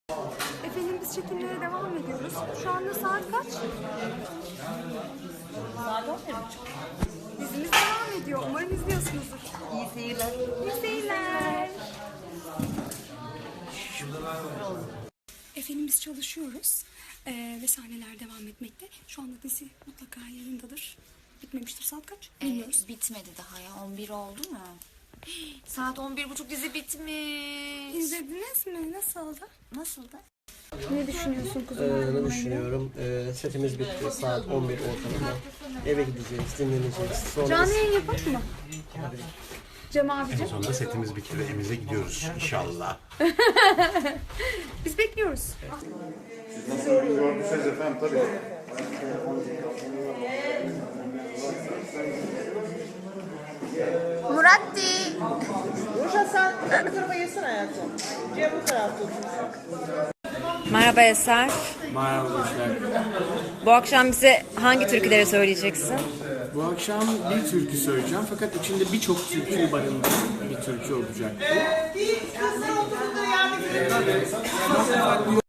Efendim biz çekimlere devam ediyoruz. Şu anda saat kaç? Saat 11.30. Dizimiz devam ediyor. Umarım izliyorsunuzdur. İyi seyirler. İyi seyirler. Efendim biz çalışıyoruz. Ve sahneler devam etmekte. Şu anda dizi mutlaka yayındadır. Bitmemiştir. Saat kaç? Bilmiyoruz. Bitmedi daha ya. 11 oldu mu? Saat 11.30 dizi bitmiş. İzlediniz mi? Nasıldı? Nasıldı? Ne düşünüyorsun kuzum? Ne düşünüyorum? Setimiz bitti. Saat 11 ortalama. Eve gideceğiz, dinleneceğiz. Sonra Canlı yayın yapalım mı? Cem abicim. Sonunda setimiz bitti ve evimize gidiyoruz inşallah. Biz bekliyoruz. Nasıl gördüyseniz efendim tabii. Muratti. Ruşa sen bu tarafa yesene hayatım. Cem bu tarafta otursun. Merhaba Eser. Merhaba dostlar. Bu akşam bize hangi türküleri söyleyeceksin? Bu akşam bir türkü söyleyeceğim fakat içinde birçok türküyü barındıran bir türkü olacak bu. Kızlar oturun da yardım edin.